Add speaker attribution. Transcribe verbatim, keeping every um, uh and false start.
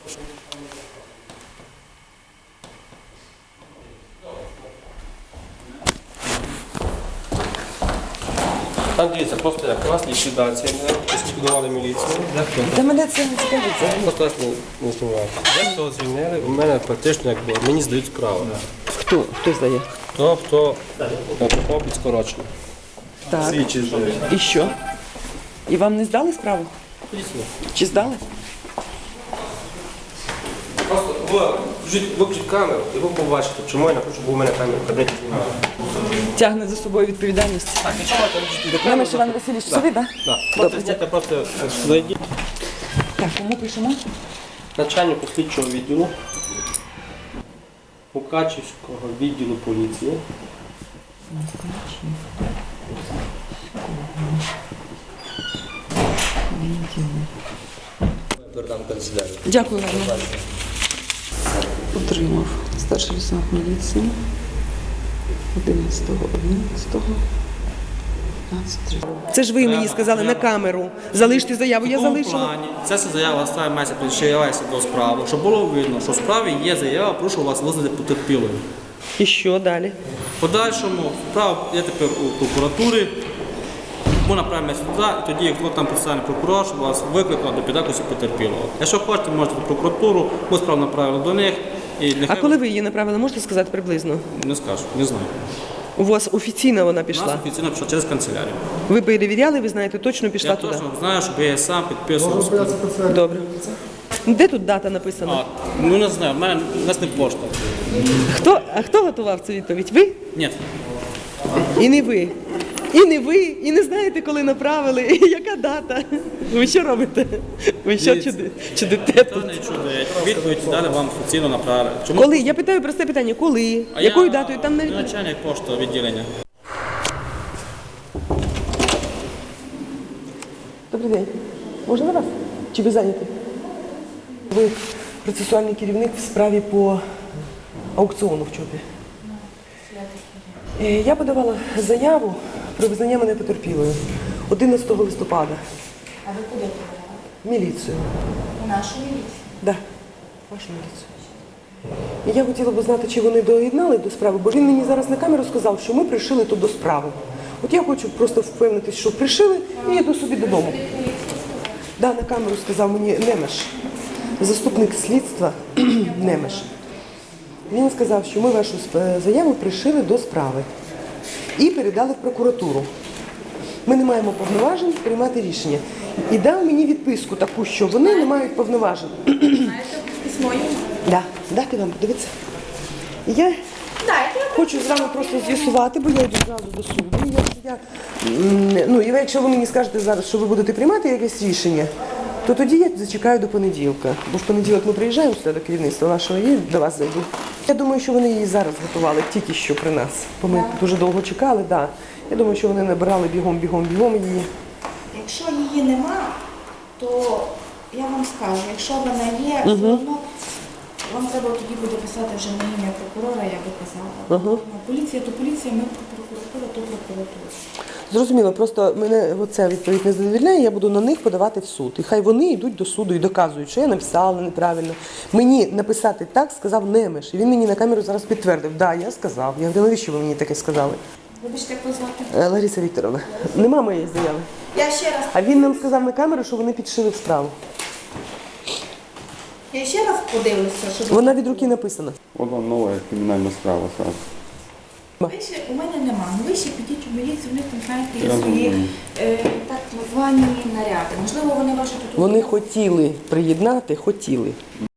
Speaker 1: Там дивіться, просто як у нас ліквідація, ліквідували міліцію.
Speaker 2: Та мене це не цікавить.
Speaker 1: Просто нас не, не знімають. Як того звільнили, у мене практично якби мені здають справу.
Speaker 2: Хто? Хто здає?
Speaker 1: Хто, хто попав під скорочення.
Speaker 2: Так.
Speaker 1: Свідчі здають.
Speaker 2: І що? І вам не здали справу? Чи здали?
Speaker 1: Просто ви вжіть- виключіть камеру і ви побачите, чому я не хочу, бо у мене камера в кабінеті знімає.
Speaker 2: Тягне за собою відповідальність.
Speaker 1: Так, і чому там
Speaker 2: Немеш Іван Васильович, собі, так?
Speaker 1: Так, просто сидите, просто зайдіть.
Speaker 2: Так, кому пишемо?
Speaker 1: Начальнику слідчого відділу Мукачівського відділу поліції. Передам канцелярію.
Speaker 2: Дякую вам. Отримав старший лейтенант міліції одинадцятого одинадцятого п'ятнадцять. Це ж ви мені сказали на камеру. Залиште заяву, я залишила.
Speaker 3: Плані. Ця заява ставить мається причаялася до справи, щоб було видно, що в справі є заява, прошу вас визнати потерпілою.
Speaker 2: І що далі?
Speaker 3: В подальшому справа є тепер у прокуратурі, ми направимо сюди, і тоді, якщо там представлений прокурор, щоб вас викликав до підакусу потерпілого. Якщо хочете, можете в прокуратуру, ми справу направили до них. І нехай...
Speaker 2: А коли ви її направили, можете сказати приблизно?
Speaker 3: Не скажу, не знаю.
Speaker 2: У вас офіційно вона
Speaker 3: У нас
Speaker 2: пішла?
Speaker 3: офіційно пішла через канцелярію.
Speaker 2: Ви перевіряли, ви знаєте, точно пішла
Speaker 3: Я
Speaker 2: туди?
Speaker 3: точно знаю, що я сам підписував.
Speaker 2: Добре. Де тут дата написана?
Speaker 3: А, ну не знаю, в мене в нас не пошта.
Speaker 2: Хто, а хто готував цю відповідь? Ви?
Speaker 3: Ні.
Speaker 2: І не ви. І не ви, і не знаєте, коли направили, і яка дата. Ви що робите? Ви що чуди, чудите
Speaker 3: Це
Speaker 2: тут?
Speaker 3: не чудить. Відповідь далі вам офіційно направили. Чому?
Speaker 2: Коли? Я питаю просте питання, коли?
Speaker 3: А
Speaker 2: Якою
Speaker 3: я
Speaker 2: датою? Там навіть...
Speaker 3: начальник пошти відділення.
Speaker 2: Добрий день. Можна на вас? Чи ви зайняті? Ви процесуальний керівник в справі по аукціону в ЧОПі. Е, Я подавала заяву про визнання мене потерпілою одинадцятого листопада.
Speaker 4: А ви куди подавали?
Speaker 2: Міліцію.
Speaker 4: У нашу міліцію?
Speaker 2: Так, вашу міліцію. І я хотіла б знати, чи вони доєднали до справи, бо він мені зараз на камеру сказав, що ми пришили тут до справи. От я хочу просто впевнитися, що пришили, і йду собі додому. Да, на камеру сказав мені Немеш, заступник слідства Немеш. Він сказав, що ми вашу заяву пришили до справи і передали в прокуратуру. Ми не маємо повноважень приймати рішення. І дав мені відписку таку, що вони не мають повноважень.
Speaker 4: Знаєте, письмо йому?
Speaker 2: Да, дати вам, дивіться. І я хочу з вами просто з'ясувати, бо я йду зразу до суду. І якщо я, м, ну, і якщо ви мені скажете зараз, що ви будете приймати якесь рішення, то тоді я зачекаю до понеділка. Бо в понеділок ми приїжджаємо сюди до керівництва вашого і до вас зайду. Я думаю, що вони її зараз готували, тільки що при нас. Бо ми дуже довго чекали, да. Я думаю, що вони набирали бігом, бігом, бігом її.
Speaker 4: Якщо її нема, то я вам скажу, якщо вона є, все одно вам треба тоді буде писати вже на ім'я прокурора, я би казала.
Speaker 2: Ага.
Speaker 4: Поліція то поліція, ми прокуратура, то прокуратура.
Speaker 2: Зрозуміло, просто мене оця відповідь не задовільняє, я буду на них подавати в суд. І хай вони йдуть до суду і доказують, що я написала неправильно. Мені написати так сказав Немеш. І він мені на камеру зараз підтвердив. Так, да, я сказав. Я говорю, навіщо ви мені таке сказали?
Speaker 4: Вибачте, як вас звати?
Speaker 2: Е, Лариса Вікторовна, нема моєї заяви.
Speaker 4: Я ще раз,
Speaker 2: А він нам сказав на камеру, що вони підшили в справу.
Speaker 4: я ще раз подивлюся, щоб...
Speaker 2: Вона від руки написана.
Speaker 5: Вона нова кримінальна справа сразу.
Speaker 4: Ви ще, у мене нема, ну ви ще підіть у міліцію, у них там, знаєте, є свої е, так звані наряди. Можливо, вони ваші тут...
Speaker 2: Вони хотіли приєднати, хотіли.